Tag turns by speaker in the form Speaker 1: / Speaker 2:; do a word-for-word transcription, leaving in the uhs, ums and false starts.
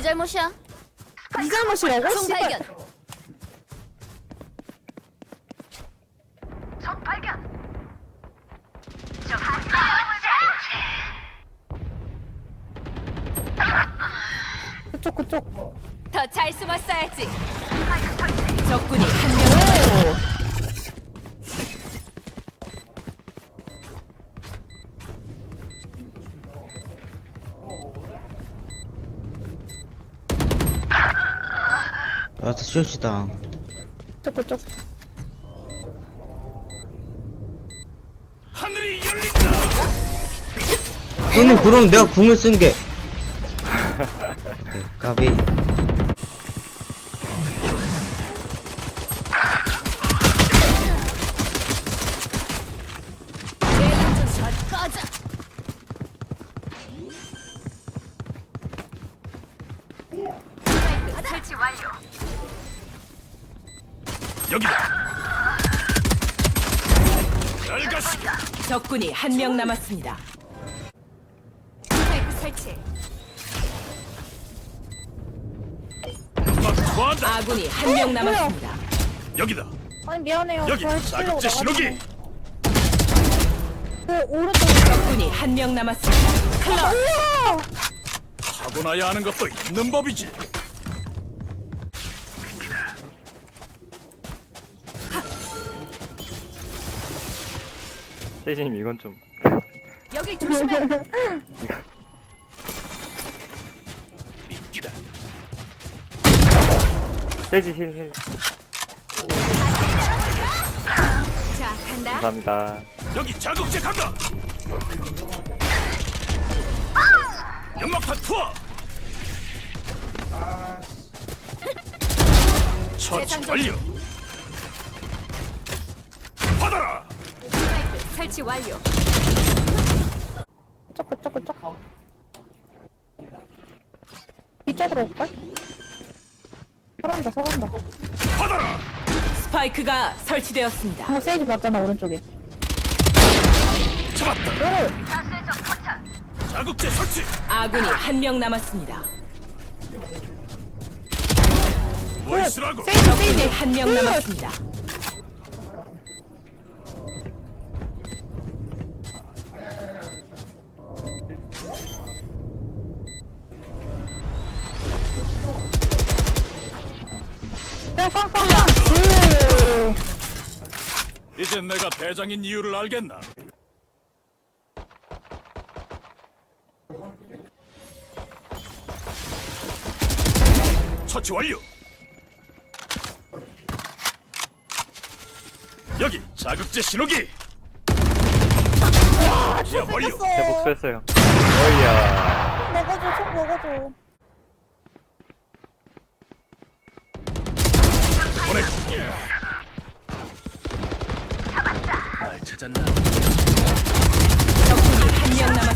Speaker 1: 잘못이야.
Speaker 2: 네 잘못이라고?
Speaker 1: 총
Speaker 2: 씨발.
Speaker 1: 발견.
Speaker 3: 적 발견.
Speaker 2: 그쪽 그쪽.
Speaker 1: 더 잘 숨었어야지.
Speaker 4: 적군이 한 명 남았습니다.
Speaker 5: 아, 슛이다.
Speaker 2: 그쪽 그쪽.
Speaker 6: 하늘이 열린다.
Speaker 5: 형님, 그럼 내가 궁을 쓴 게. 오케이, 까비.
Speaker 1: 대장전 꺼져.
Speaker 3: 설치 완료.
Speaker 6: 여기다. 잘 가시.
Speaker 4: 적군이 한 명 남았습니다.
Speaker 1: 스파이크 설치.
Speaker 6: 막 좋아한다.
Speaker 4: 아군이 한 명 남았습니다.
Speaker 6: 여기다.
Speaker 2: 아니 미안해요.
Speaker 6: 여기
Speaker 2: 잘 치려고
Speaker 6: 자극제 신호기.
Speaker 2: 나가지고. 그 오른쪽.
Speaker 4: 적군이 한 명 남았습니다.
Speaker 2: 우와!
Speaker 6: 타고나야 하는 것도 있는 법이지.
Speaker 7: 세이지님 이건 좀
Speaker 1: 여길 조심해.
Speaker 6: 미끼다.
Speaker 7: 세이지 힐힐
Speaker 1: 자, 간다.
Speaker 7: 감사합니다.
Speaker 6: 여기 자극제 간다. 연막탄 투하. 처치 완료. 받아라.
Speaker 1: 스파이크 설치 완료.
Speaker 2: 그쪽 그쪽 그쪽. 이쪽으로 올걸? 서간다 서간다.
Speaker 6: 받아라.
Speaker 4: 스파이크가 설치되었습니다.
Speaker 2: 아 세이지 맞잖아 오른쪽에.
Speaker 6: 잡았다.
Speaker 2: 오!
Speaker 3: 자세적 포착.
Speaker 6: 자극제 설치.
Speaker 4: 아군이 한 명 남았습니다.
Speaker 6: 뭐 있으라고.
Speaker 2: 세이지
Speaker 4: 적군이
Speaker 2: 세이지.
Speaker 4: 한 명 남았습니다.
Speaker 2: 야 빵빵빵. 으.
Speaker 6: 이제 내가 대장인 이유를 알겠나? 처치 완료. 여기 자극제 신호기. 야 완료.
Speaker 7: 제 복수했어요. 어이야.
Speaker 2: 먹어줘 총 먹어줘.
Speaker 6: 보내고. 날 찾았나?
Speaker 4: 적군이 한 명 남았습니다.